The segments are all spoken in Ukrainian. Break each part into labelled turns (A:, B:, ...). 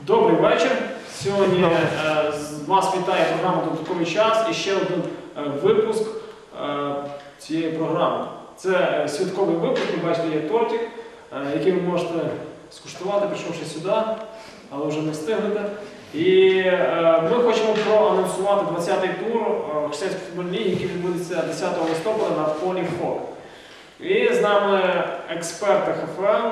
A: Добрий вечір. Сьогодні вас вітає програма «Додатковий час» і ще один випуск цієї програми. Це святковий випуск, ви бачите, є тортик, який ви можете скуштувати, прийшовши сюди, але вже не встигнете. І ми хочемо проанонсувати 20-й тур християнської футбольної ліги, який відбудеться 10 листопада на полі ФОК. І з нами експерти ХФЛ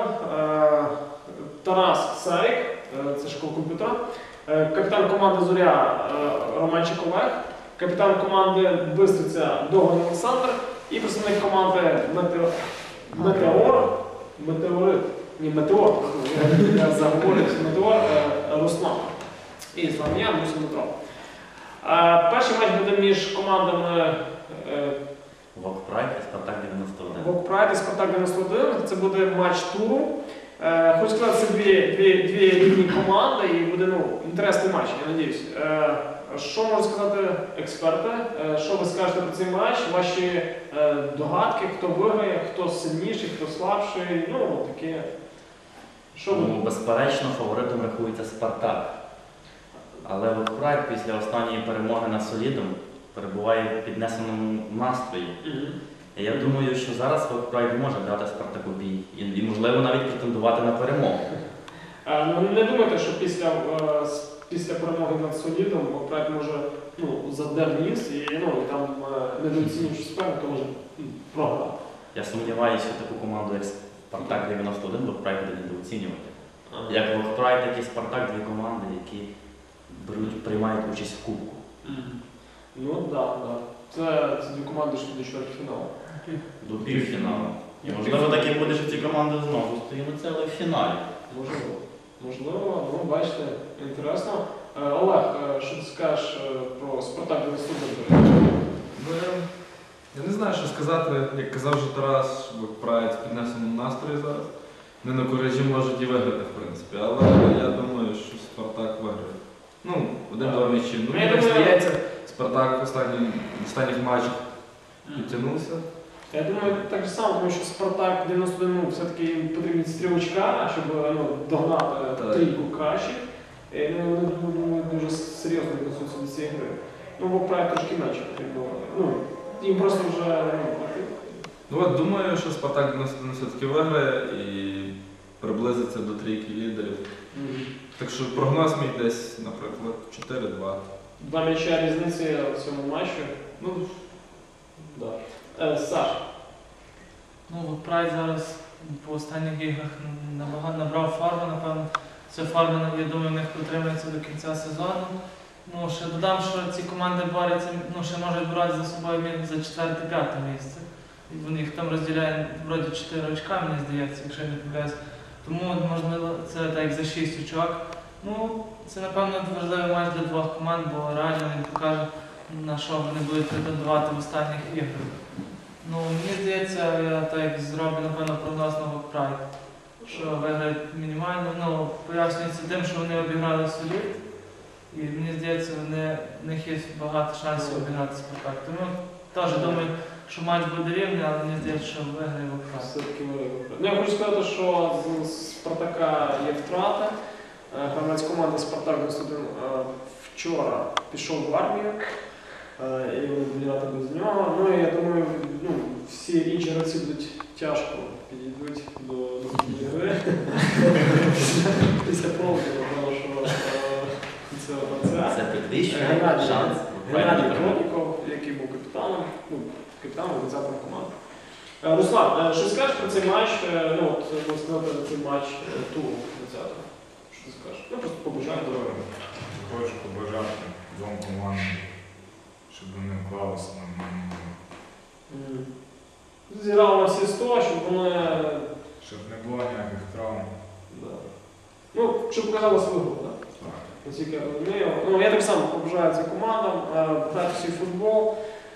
A: Тарас Сарик, це школа комп'ютера, капітан команди «Зоря» Романчик Олег, капітан команди «Бистриця» Доган Олександр і представник команди Метеор Руслан. І з вами я, Мусин Дмитро. Перший матч буде між командами
B: Вокпрайд і Спартак 91.
A: Вокпрайд і Спартак 91. Це буде матч туру. Хочу сказати, це дві рівні команди і буде інтересний матч, я сподіваюся. Що можуть сказати експерти? Що ви скажете про цей матч? Ваші догадки, хто виграє, хто сильніший, хто слабший, таке.
B: Безперечно, фаворитом рахується Спартак. Але Вокпрайд після останньої перемоги над Солідом перебуває в піднесеному настрої. І я думаю, що зараз Вокпрайд може дати Спартаку бій і, можливо, навіть претендувати на перемогу.
A: Не думайте, що після перемоги над Солідом Вокпрайд може задер ніс і там недооцінюючи суперника може програти.
B: Я сумніваюся, що таку команду, як Спартак 91, Вокпрайд буде недооцінювати. Як Вокпрайд, так і Спартак – дві команди, які приймають участь в кубку.
A: Так. Це дві команди, що до чвертьфіналу.
B: До півфіналу. І можливо таке буде, що ці команди знову стоїть, але в фіналі.
A: Можливо, бачите, інтересно. Олег, що ти скажеш про Спартак 91?
C: Я не знаю, що сказати. Як казав вже Тарас, Вокпрайд в піднесеному настрої зараз. Не на куражі можуть і виграти, в принципі. Але я думаю, що Спартак виграє. Один-два м'ячі. Мені здається, Спартак в останніх матчах підтягнувся.
A: Я думаю, так само, тому що Спартак 91 все-таки їм потрібні стрілочка, щоб догнати трійку кращих. Вони дуже серйозно відносяться до цієї гри. Вокпрайд трошки менше потрібно. Їм просто вже
C: Думаю, що Спартак 91 все-таки виграє і приблизиться до трійки лідерів. Так що прогноз мій десь, наприклад, 4-2.
A: 2 м'яча різниці в цьому матчі. Саш.
D: Вокпрайд зараз по останніх іграх набрав фарбу, напевно. Ця фарба, я думаю, в них протримається до кінця сезону. Ще додам, що ці команди борються, ще можуть боротися за собою за 4-5 місце. Їх там розділяє вроді 4 очка, мені здається, якщо я не помиляюсь. Тому, можливо, це так за 6 очок. Це, напевно, важливий матч для двох команд, бо реально він покаже, на що вони будуть претендувати в останніх іграх. Мені здається, я так зроблю, напевно, прогноз на Вокпрайд, що виграють мінімально. Пояснюється тим, що вони обіграли Солід. І мені здається, в них є багато шансів обіграти Спартак. Тому теж думаю, що матч буде рівний, але мені здається, що виграє Вокпрайд.
A: Все-таки виграє Вокпрайд. Я хочу сказати, що з Спартака є втрата. Гравець команди Спартак 91 вчора пішов в армію. І вбігати без нього. І я думаю, всі інші гравці будуть тяжко підійдуть до гри. Після проводу, тому що
B: це підвищує шанс.
A: Геннадій Кроліков, який був капітаном, організатором команди. Руслан, що скажеш про цей матч, можна сказати, цей матч туру 20-го? Що ти скажеш? Просто побажаю.
E: Хочу побажати двом командам, щоб вони вклалися нормально.
A: Зіграли на всі 100, щоб вони...
E: Щоб не було ніяких травм.
A: Щоб показали свою гру, так? Наскільки я розумію. Я так само побажаю цим командам, грати всій футбол.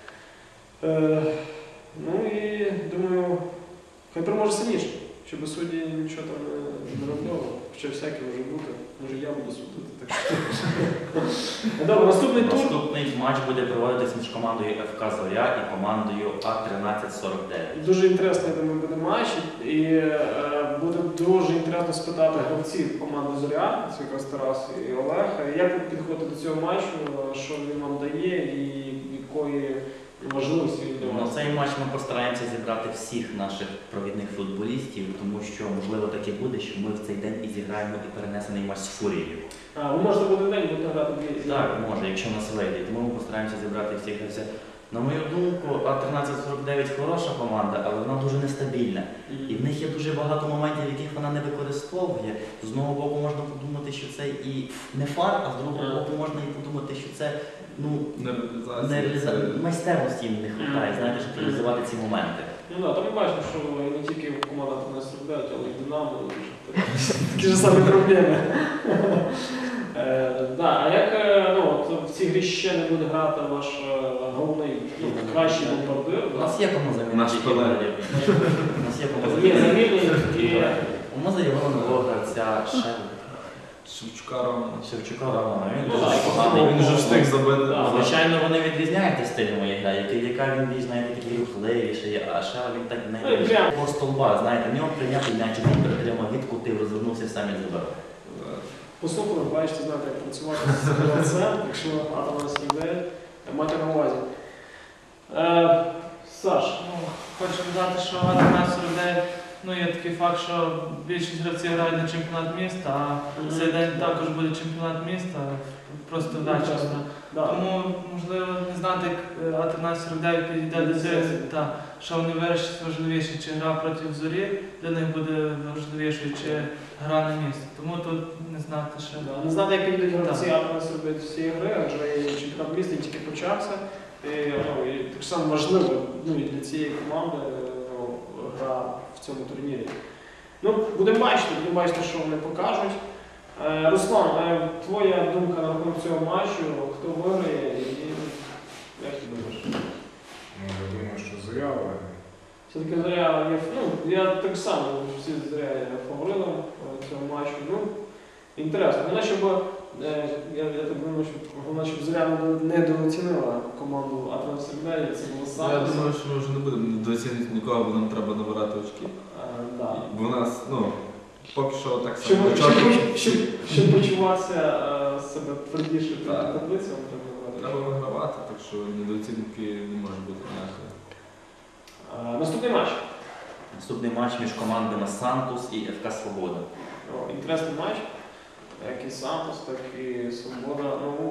A: І думаю, хай переможе сильніше, щоб судді нічого там не робили. Хоча всяке може бути. Може я буду судити. Добре, наступний тур.
B: Наступний матч буде проводитись між командою ФК «Зоря» і командою А1349.
A: Дуже інтересний, я думаю, буде матч. І буде дуже інтересно спитати гравців команди Зоря, це якраз Тарас і Олег. Як ви підходите до цього матчу, що він вам дає і якої важливості він для
B: На
A: вас?
B: цей матч ми постараємося зібрати всіх наших провідних футболістів, тому що можливо таке буде, що ми в цей день і зіграємо і перенесений матч з Фурією.
A: Ви можете в один день будете грати дві?
B: Так, може, якщо нас вийде. Тому ми постараємося зібрати всіх гравців. На мою думку, А1349 хороша команда, але вона дуже нестабільна. І в них є дуже багато моментів, яких вона не використовує. З одного боку можна подумати, що це і не фар, а з другого боку можна і подумати, що це майстерності їм не вистачає, знаєте, щоб реалізувати ці моменти.
A: Ну так, то ми бачимо, що не тільки команда 1349, але і Динамо, такі ж самі проблеми. А як в цій грі ще не буде грати ваш головний, кращий бомбардир?
B: У нас є кому замінити.
C: Наш колега.
B: У нас є кому
A: Є
B: замінити.
A: замінні,
B: У нас заявили нового гравця
C: Шевчука Романа.
B: Шевчука Романа. Він
A: Ну,
B: дуже
A: так,
B: поганий.
C: Він вже встиг забити.
A: Так.
B: Звичайно, вони відрізняються стилем гра, яка він більш, знаєте, такий рухливіший, а ще він так не
A: прям.
B: по столба, знаєте, в нього прийняти м'яч, він притримав, відкутив, розвернувся, сам і забив.
A: Послухали, бачите, знаєте, як працювати з гравцем, якщо А1349, мати на увазі. Саш,
D: Хочу додати, що А1349, є такий факт, що більшість гравців грають на чемпіонат міста, а цей день також буде чемпіонат міста, просто ввечері.
A: да.
D: Тому, можливо, не знати, як А1349 підійде до цього, що вони вирішать важливіше, чи гра проти Зорі для них буде важливішою, чи гра на місці. Тому тут не знати ще.
A: Не знати, як підійдуть гравці А1349 з цієї гри, адже і чемпіонат міста тільки почався. І так само важливо і для цієї команди гра в цьому турнірі. Будемо бачити, що вони покажуть. Руслан, твоя думка на рахунок цього матчу, хто виграє і як ти думаєш?
E: Я думаю, що Зоря виграє.
A: Все-таки Зоря є, я так само, всі Зоря є фаворитом цього матчу. Інтересно. Головне, щоб, я так думаю, щоб Зоря не недооцінила команду А1349, це було саме.
C: Я думаю, що ми вже не будемо недооцінити нікого, бо нам треба набирати очки.
A: Да.
C: Бо в нас, поки що так
A: Щоб,
C: само.
A: щоб почуватися себе твердіше
C: Так.
A: перед таблицею,
C: Треба вигравати, так що недооцінки не може бути ніякої.
A: Наступний матч.
B: Наступний матч між командами Сантус і ФК Свобода.
A: Інтересний матч. Як і Сантос, так і Свобода.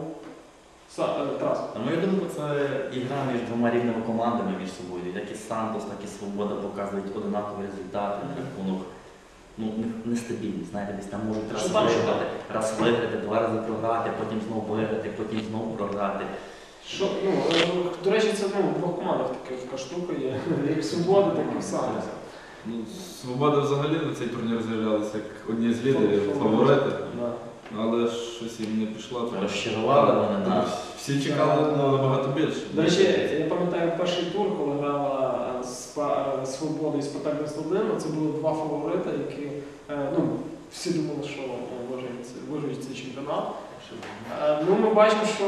A: Тарас.
B: На мою думку, це ігра між двома рівними командами між собою. Як і Сантос, так і Свобода показують однакові результати. Рахунок нестабільний. Знаєте, десь там можуть раз виграти, два рази програти, потім знову виграти, потім знову програти.
A: До речі, це в двох командах така штука є. Як Свобода, так і Сантос.
C: Свобода взагалі на цей турнір з'являлася як одні з лідерів, фаворити.
A: Да.
C: Але щось їм не пішло.
B: Розчарували вони нас.
C: Всі чекали набагато більше.
A: До речі, я пам'ятаю перший тур, коли грала Свобода і Спартак 91, це були два фаворити, які всі думали, що виграють цей чемпіонат. Ми бачимо, що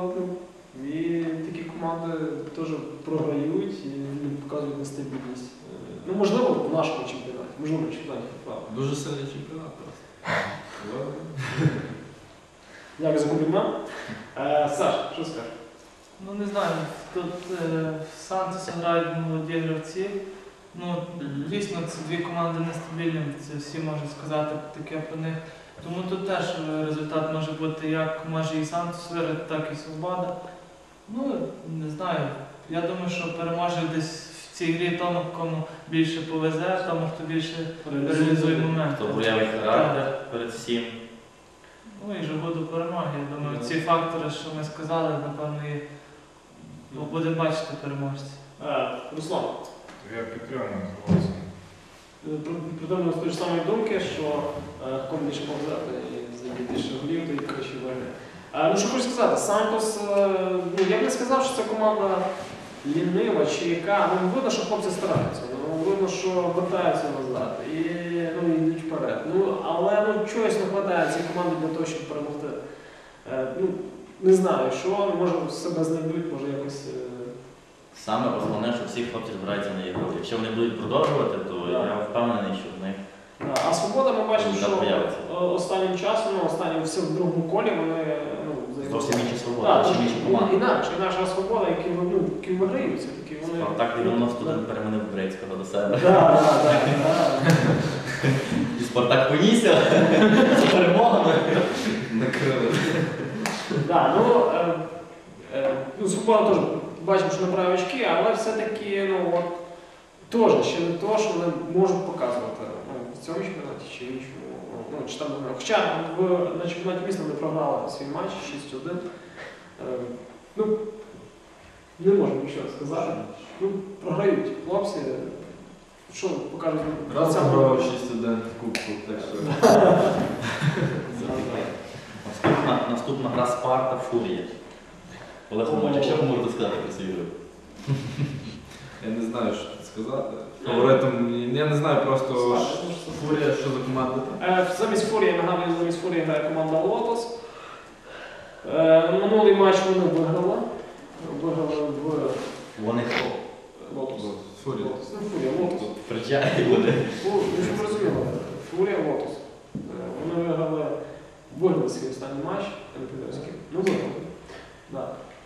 A: і такі команди теж програють і показують нестабільність. Можливо, в нашому чемпіонаті, можливо, в чемпіонаті.
C: Дуже сильний чемпіонат просто.
A: Дякую за комплімент. Саш, що скажеш?
D: Не знаю, тут в Сантосі грають молоді гравці. Дійсно, це дві команди нестабільні, це всі можуть сказати таке про них. Тому тут теж результат може бути як може і Сантос виграти, так і Свобода. Не знаю. Я думаю, що переможе десь в цій грі тому, кому більше повезе, тому хто більше реалізує момент.
B: Хто проявить характер перед всім.
D: І жагу до перемоги. Я думаю, ці фактори, що ми сказали, напевно, і будемо бачити переможців.
A: Руслан,
E: Я підтримую хлопця.
A: придумав з тої ж самої думки, що кому більше повзати і забити більше голів, то і краще виграє. Що хочу сказати, Сантос, я б не сказав, що це команда лінива чи яка. Видно, що хлопці стараються, видно, що вертаються назад і йдуть вперед. Але чогось не вистачає цій команді для того, щоб перемогти. Не знаю, що, може себе знайдуть, може якось.
B: Саме основне, що всі хлопці збираються на ігру. Якщо вони будуть продовжувати, то я впевнений, що в них.
A: А Свобода, ми бачимо,
B: результат
A: що
B: появиться.
A: останнім часом, останнім все в другому колі вони
B: Зовсім інші
A: Так,
B: свободи, чим інші команди.
A: інакша свобода, які виграють все-таки.
B: Спартак 91 переманив Брецького до себе.
A: Так.
B: І Спартак понісся з перемогами.
C: Накрили.
A: Свобода теж бачимо, що набирає очки, але все-таки теж ще не то, що вони можуть показувати в цьому чемпіонаті чи іншому. Чи там, хоча на чемпіонаті міста вони програли свій матч 6-1. Не можу нічого сказати. Програють хлопці. Що покажуть?
C: Раз
A: Сам
C: програв
A: робиш.
C: 6-1 в кубку, так що.
B: Наступна гра Спарта Фурія. Олег Романович, що ви можете сказати про цю ігру?
C: Я не знаю, що тут сказати. Фаворитом, я не знаю просто Фурія, що за команда там.
A: Замість Фурії, нагадую, замість Фурії грає команда Лотос. Минулий матч вони виграли. Виграли в
B: Вони хто?
A: Лотос.
C: Фурія.
A: Фурія, Лотос.
B: Причай буде.
A: Ви ж розуміли, Фурія, Лотос. Вони виграли свій останній матч, я не пам'ятаю з ким. Виграли. Да.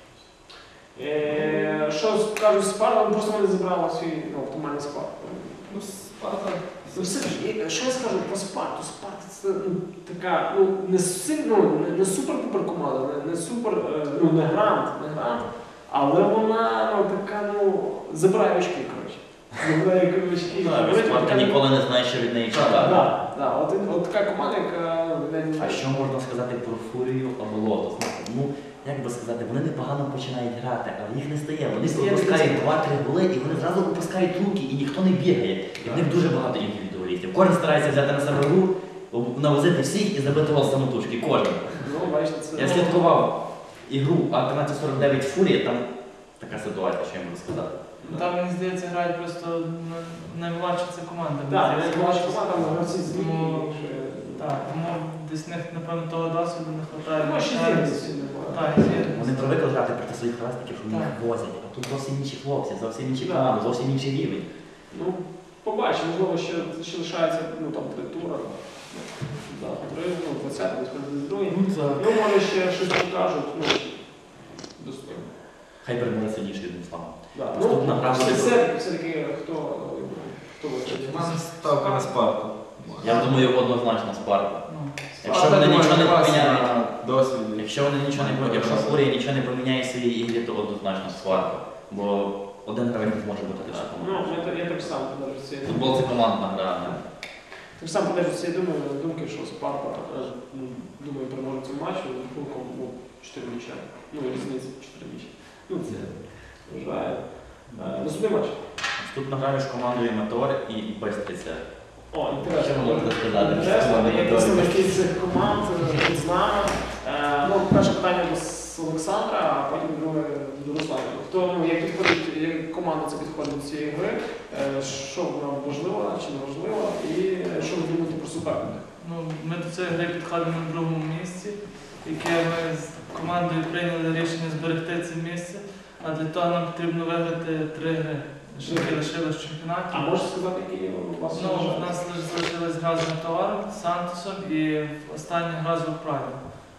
A: Що кажуть Спарта, просто вони зібрали свій оптимальний склад.
C: Спарта.
A: Все ж, що я скажу про Спарту? Спарта це така, не супер-пупер команда, не супер, не грант, але вона така, забирає очки, коротше. Забирає очки.
B: Спарта ніколи не знає, що від неї чекати.
A: Так, от така команда, яка...
B: А що можна сказати про Фурію або Лотос? Як би сказати, вони непогано починають грати, але їх не стає. Вони пропускають 2-3 голи і вони зразу випускають руки, і ніхто не бігає. І в них дуже багато індивідуалістів. Кожен старається взяти на себе гру, навозити всіх і забити гол самотужки. Кожен. Я слідкував ігру А1349 Фурія, там така ситуація, що я можу сказати.
D: Там, мені здається, грають просто наймладша ця команда.
A: Так, наймладша команда, там гравці з ліги.
D: Так, тому десь в них, напевно, того досвіду не вистачає. Так,
B: Вони привикли грати проти своїх власників, що вони їх возять. А тут зовсім інші хлопці, зовсім інші команди, зовсім інший рівень.
A: Побачимо, можливо, ще лишається там 3 тура. 20, десь 22. Може ще щось покажуть. Достойно.
B: Хай переможе сильніший, одним словом.
A: Наступна гра все-таки хто виходить?
C: У мене ставка на Спарту.
B: Я думаю, однозначно Спарта. Якщо
C: Спарта,
B: вони
C: думаю,
B: нічого не
C: класна
B: поміняють,
C: досвід.
B: якщо Фурія нічого не поміняє в своїй ігрі, то однозначно Спарта. Бо один гравець може бути лише команда.
A: Я так само подержу цієї
B: Футбол це командна гра.
A: Так само подержу цієї думки, що Спарта, думаю, переможе в цьому матчі, з рахунком 4 м'яча. Різниця 4 м'яча. Це вважаю. Наступний матч.
B: Наступна гра між командою Мотор і Бестриця.
A: Інтересно.
B: Що ви можете сказати?
A: Інтересно, є представники цих команд з нами. Перше питання до Олександра, а потім друге до Руслана. Як підходить, як команда це підходить до цієї гри, що вона важлива чи не важлива, і що ви думаєте про суперника?
D: Ми до цієї гри підходимо на другому місці, яке ми з командою прийняли рішення зберегти це місце, а для того нам потрібно виграти 3 гри, які лишились в чемпіонаті.
A: А можете сказати, які у вас
D: У нас залишилась гра з Метеором, Сантосом і остання гра з Вокправі.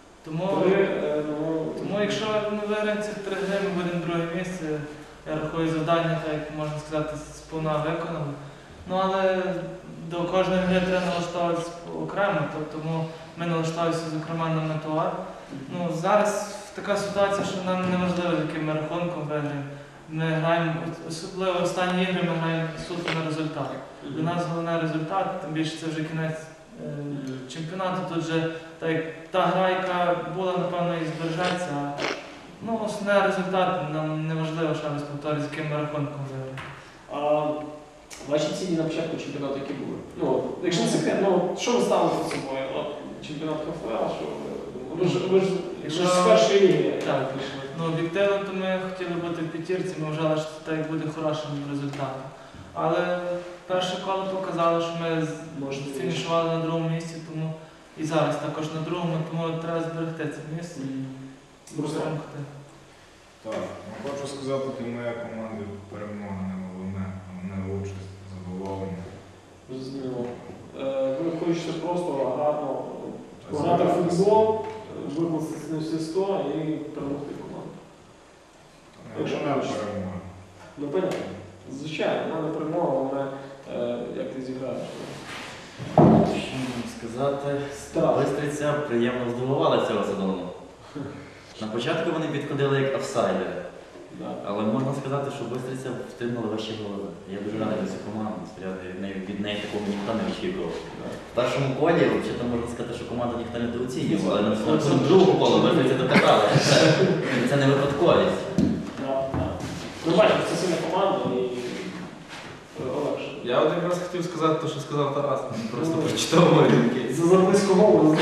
D: Тому якщо ми виграємо ці 3 гри, ми будемо друге місце. Я рахую завдання, так можна сказати, сповна виконано. Але до кожної гри треба налаштовуватися окремо, тому ми налаштовуємося, зокрема, на Метеор. Зараз така ситуація, що нам не важливо, яким ми рахунком виграємо. Ми граємо, особливо останні ігри, ми граємо суто на результат. Для нас головний результат, тим більше це вже кінець чемпіонату. Тут вже та гра, яка була, напевно, і збережеться. Основний результат, нам не важливо, що ми повторюємо, з яким ми рахунком виграємо.
A: Ваші цілі на початку чемпіонату які були? Якщо не секрет, що ви ставили перед собою? Чемпіонат КФЛ, що ви ж з першої ліги прийшли.
D: Об'єктивно, то ми хотіли бути в п'ятірці, ми вважали, що це буде хорошим результатом. Але перше коло показало, що ми фінішували на другому місці, тому і зараз також на другому, тому треба зберегти це місце і перемогти.
E: Так, хочу сказати, для моєї команди перемога не головне, головне участь, задоволення.
A: Зрозуміло. Ви хочеться просто гарно пограти в футбол, викластися на всі 100 і перемогти команду.
E: Якщо не перемога.
A: Ну, понятно. Звичайно, вона не перемога, вона як ти зіграєш.
B: Що можна сказати?
A: Страх.
B: Бистриця приємно здивувала цього сезону. На початку вони підходили як офсайдери.
A: Да.
B: Але можна сказати, що Бистриця втримала вищі голови. Я дуже радий за цю команду. Від неї такого ніхто не очікував. В першому колі, взагалі, можна сказати, що команду ніхто не недооцінював, але на другому колі Бистриця докатала. Це не випадковість.
A: Да, да. Ну, бачиш, це сильна команда і легше.
C: Я от якраз хотів сказати те, що сказав Тарас, він просто прочитав мої думки.
A: За близько мову.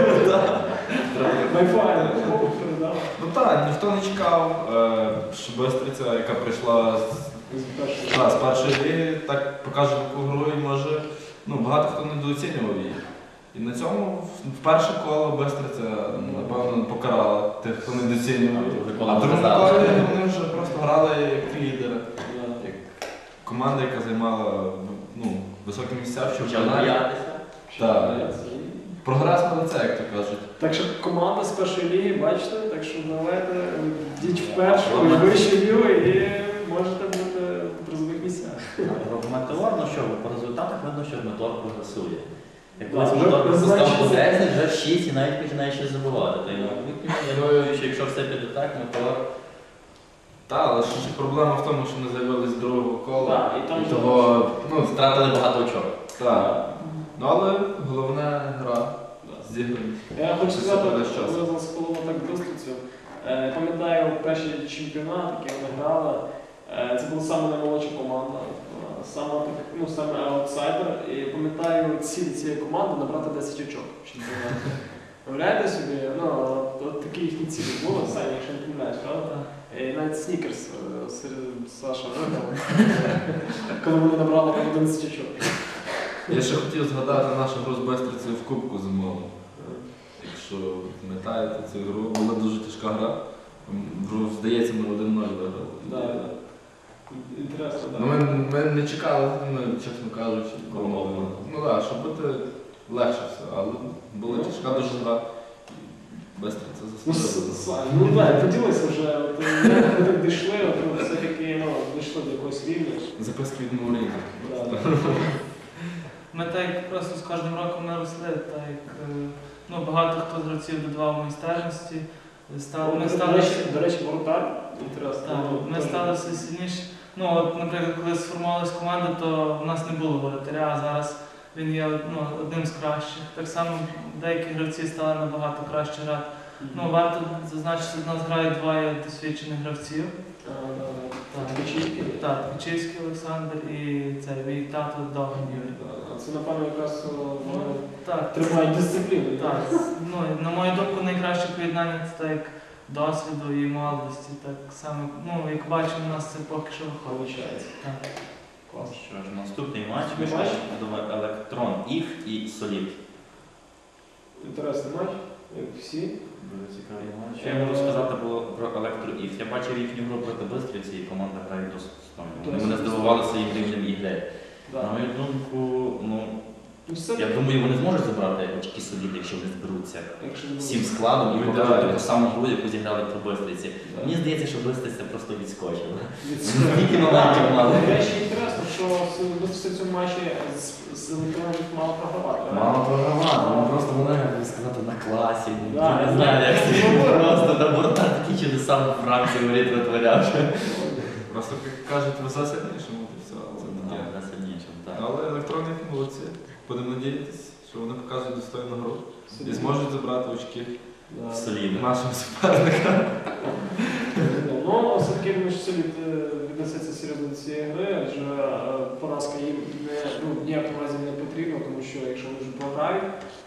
A: Wi-Fi, да.
C: Ну так, ніхто не чекав, що Бистриця, яка прийшла з першої ліги, так покаже таку гру і може, багато хто недооцінював її. І на цьому в перше коло Бистриця, напевно, покарала тих, хто недооцінював. А в другому колі вони вже просто грали як лідери. Як команда, яка займала високі місця в чемпіонаті. Так. Прогрес на лице, як то кажуть.
A: Так що команда з першої ліги, бачите, так що давайте йдіть в першу, і вищу лігу і можете бути в призових місцях.
B: Метеор, ну що, по результатах видно, що Метеор прогресує. Як
A: Да,
B: колись
A: вже
B: Метеор
A: значить,
B: пропускав по 10, вже в 6 і навіть починає щось забувати. То я думаю, що якщо все піде так, Метеор...
C: Так, але ще проблема в тому, що не з'явились з другого кола.
A: Так, і там
C: того,
B: Втратили багато очок.
C: так. Ну, але головна гра зіграні.
A: Я хочу сказати,
C: Це
A: що
C: час.
A: ви засколомо так Бистрицю. Пам'ятаю, перший чемпіонат, який вони грали, це була саме наймолодша команда, саме аутсайдер. І пам'ятаю, ціль цієї команди набрати 10 очок в чемпіонаті. Уявляєте собі, от такі їхні цілі були, Саня, якщо не помиляєш, правда? І навіть Снікерс Саша виграв, коли вони набрали там 11 очок.
C: Я ще хотів згадати нашу гру з Бистрицею в Кубку зимовому. Якщо пам'ятаєте цю гру, була дуже тяжка гра. Здається, ми 1-0 виграли.
A: Да. Інтересно, так.
C: Ну, ми не чекали, чесно кажучи, перемоги. Ну так, щоб бути легше все, але була тяжка дуже гра. Бистриця заслужила.
A: Ну так, поділися вже, як ми так дійшли, все-таки дійшли до якогось рівня.
C: Записки від Мауріна.
D: Ми так як просто з кожним роком ми росли, так як багато хто з гравців додавав майстерності.
A: До речі, воротар, інтересно.
D: Так, ми стали все сильніші. Наприклад, коли сформувалася команда, то в нас не було воротаря, а зараз він є одним з кращих. Так само деякі гравці стали набагато краще грати. Варто зазначити, що в нас грають двоє досвідчених гравців.
A: Печівський.
D: Так, Печівський Олександр і мій тато Доган Юрій.
A: Це, напевно, якраз
D: Так,
A: тримають дисципліну.
D: так. На мою думку, найкраще поєднання це так досвіду і молодості. Так само, як бачимо, у нас це поки що виходить. Так.
A: Клас.
B: Що ж, наступний матч
A: Наступний матч?
B: між Електрон Іф і Солід.
A: Інтересний матч, як всі.
B: Дуже цікавий матч. Що я можу сказати про Електро Іф? Я бачив їхню гру проти Бистрівці, і команда грає досить достойно. Вони мене здивували своїм рівнем ігри.
A: Да.
B: На мою думку,
A: Це,
B: я думаю, вони зможуть забрати очки Соліди, якщо вони зберуться
A: якщо не
B: всім складом і
C: Ну,
B: покажуть
C: ідеально.
B: таку саму гру, яку зіграли при Бистриці.
A: Да.
B: Мені здається, що Бистриця просто відскочила.
A: Відсутні.
B: Скільки моментів мали?
A: До речі, інтересно, що в цьому матчі з електронів мало програвати.
B: Мало програмати, вони просто вони, як би сказати, на класі.
A: Да,
B: Я не знаю, як
A: це
B: це
A: було.
B: просто на борта такі чудеса в Франції воріт витворяв.
C: Просто, як кажуть, ви за сильнішим, і все. Це таке.
B: На сильнішим, так.
C: Але електроніки молодці. Будемо надіятися, що вони покажуть достойну гру і зможуть забрати очки
A: Да.
B: Солідно.
C: нашим суперникам.
A: Ну, все-таки думаю, що Солід віднесеться серйозно до цієї гри, адже поразка їм в ніякому разі не потрібна, тому що якщо вони вже програють,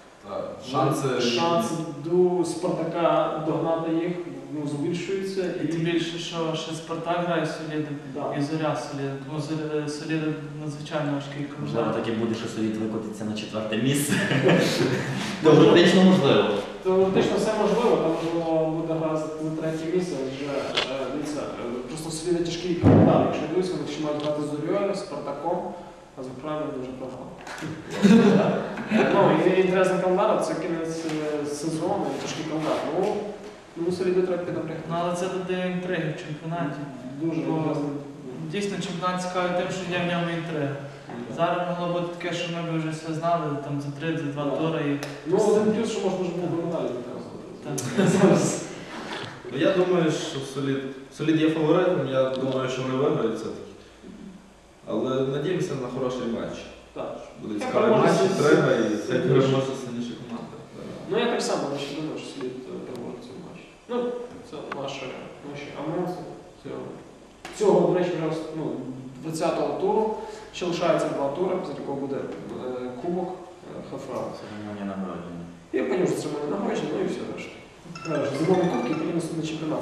A: шанси до Спартака догнати їх збільшуються.
D: І тим більше, що ще Спартак грає Солідом
A: Да.
D: і Зоря Солідом. Тому Соліда надзвичайно важкий
B: Можливо,
D: команда.
B: так і буде, що Солід викотиться на 4-те місце. Теоретично можливо.
A: Теоретично все можливо, там можливо буде гра за третє місце, адже дивіться, просто Соліда тяжкий календар. Якщо дивитися, вони ще мають грати з Зорьою, Спартаком, а з Україною дуже програли. Ну, і інтересний календар, це кінець сезону, і тяжкий календар. Ну, соліду треба піднапрягти.
D: Ну, але це додає інтриги в чемпіонаті.
A: Дуже
D: Бо
A: інтересно.
D: Дійсно, чемпіонат цікавий тим, що є в ньому інтрига. Зараз могло бути таке, що ми б вже все знали там за 3-2 тури. І...
A: Ну, один плюс, що можна вже було медалі
D: Так.
A: зараз.
C: Ну, я думаю, що Солід є фаворитом, я думаю, що вони виграють все-таки. Але надіємося на хороший матч.
A: Так.
C: Буде
A: Я
C: цікавий
A: переможу
C: матч,
A: з-
C: треба і
A: з-
C: хай переможе сильніша команда.
A: Ну, я так само ще думаю, що слід переможе цей матч. Ну, це наші анонси цього, до речі, вже 20-го туру. Ще лишається 2 тури, після якого буде кубок ХФА.
B: Церемонія нагородження.
A: І потім вже церемонія нагородження, ну і все решта. Зимові кубки і потім наступний чемпіонат.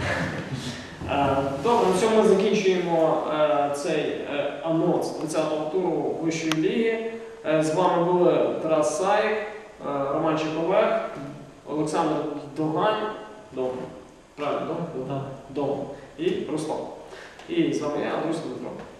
A: Добре, на цьому ми закінчуємо цей анонс 20-го туру Вищої ліги. З вами були Тарас Саїк, Роман Чеповек, Олександр Догань, правильно,
D: Так.
A: Дом, і Руслан. І з вами я, Андрій Дмитро.